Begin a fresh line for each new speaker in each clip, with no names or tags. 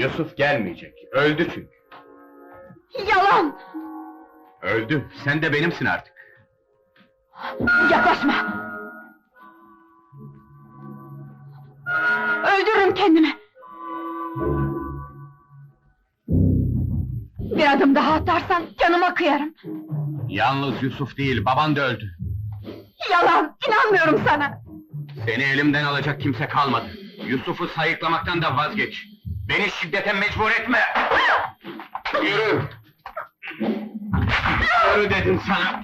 Yusuf gelmeyecek, öldü çünkü.
Yalan!
Öldü, sen de benimsin artık.
Yaklaşma! Öldürürüm kendimi! Bir adım daha atarsan canıma kıyarım!
Yalnız Yusuf değil, baban da öldü.
Yalan! İnanmıyorum sana!
Seni elimden alacak kimse kalmadı. Yusuf'u sayıklamaktan da vazgeç. Beni şiddete mecbur etme! Yürü! Yürü dedim sana!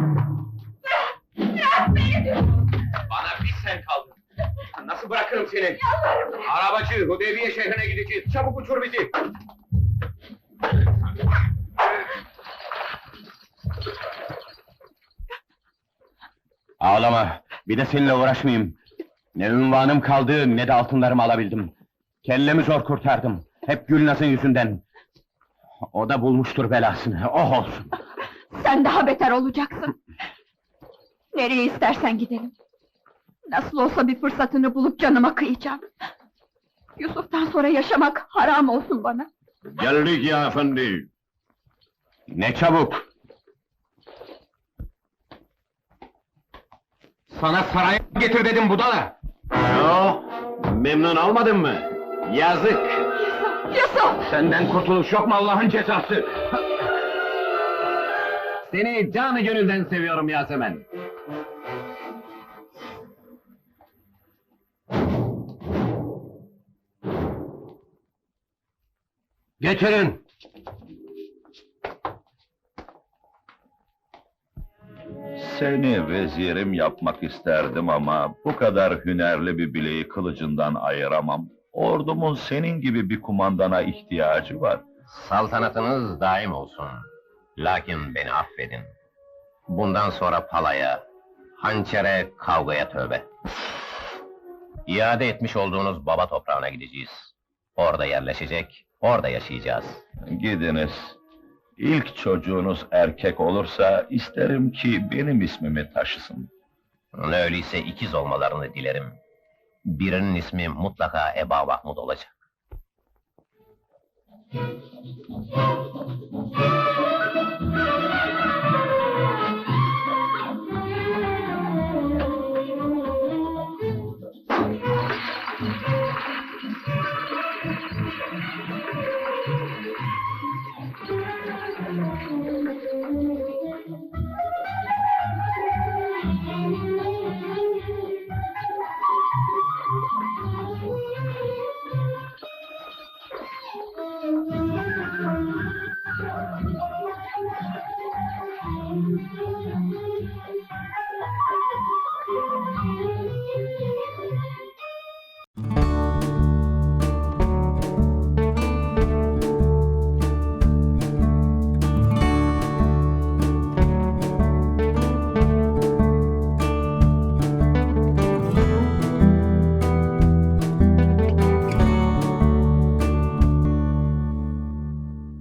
Bırak beni!
Bana bir sen kaldın! Nasıl bırakırım seni? Arabacı, Hudeybiye şehrine gideceğiz, çabuk uçur bizi! Ağlama, bir de seninle uğraşmayayım. Ne ünvanım kaldı, ne de altınlarımı alabildim. Kellemi zor kurtardım, hep Gülnaz'ın yüzünden. O da bulmuştur belasını, oh olsun!
Sen daha beter olacaksın! Nereye istersen gidelim! Nasıl olsa bir fırsatını bulup canıma kıyacağım! Yusuf'tan sonra yaşamak haram olsun bana!
Geldik ya efendi!
Ne çabuk! Sana saraya getir dedim budala!
Yo, memnun olmadın mı? Yazık!
Yusuf!
Senden kurtuluş yok mu Allah'ın cezası?
Seni canı gönülden seviyorum Yasemen!
Getirin!
Seni vezirim yapmak isterdim ama bu kadar hünerli bir bileği kılıcından ayıramam. Ordumun senin gibi bir kumandana ihtiyacı var.
Saltanatınız daim olsun. Lakin beni affedin. Bundan sonra palaya, hançere, kavgaya tövbe. İade etmiş olduğunuz baba toprağına gideceğiz. Orada yerleşecek, orada yaşayacağız.
Gidiniz. İlk çocuğunuz erkek olursa isterim ki benim ismimi taşısın.
Öyleyse ikiz olmalarını dilerim. Birinin ismi mutlaka Eba Mahmud olacak.